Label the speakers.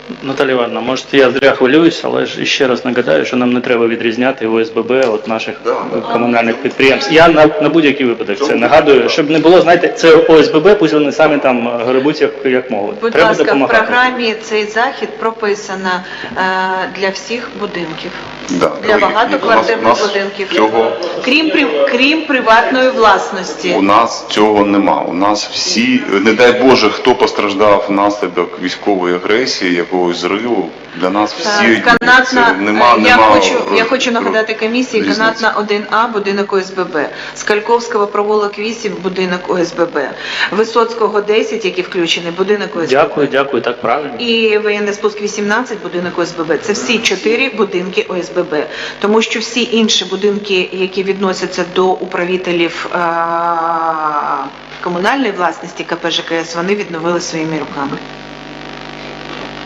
Speaker 1: Наталія Івановна, може я зря хвилююсь, але ж ще раз нагадаю, що нам не треба відрізняти ОСББ від наших комунальних підприємств. Я на будь-який випадок це нагадую, щоб не було, знаєте, це ОСББ, пусть вони самі там гребуть як можуть.
Speaker 2: Будь
Speaker 1: Треба
Speaker 2: ласка, в
Speaker 1: допомагати.
Speaker 2: програмі цей захід прописано для всіх будинків.
Speaker 3: Да.
Speaker 2: Для багатоквартирних будинків. Крім приватної власності.
Speaker 3: У нас цього нема. У нас всі, не дай Боже, хто постраждав внаслідок військової агресії, якогось зриву, для нас всі
Speaker 2: Я хочу нагадати комісії, канатна 1А, будинок ОСББ, Скальковського провулок 8, будинок ОСББ, Висоцького 10, які включені, будинок ОСББ.
Speaker 1: Дякую, так правильно.
Speaker 2: І воєнний спуск 18, будинок ОСББ. Це всі 4 будинки ОСББ. Тому що всі інші будинки, які відносяться до управителів комунальної власності КП ЖКС, вони відновили своїми руками.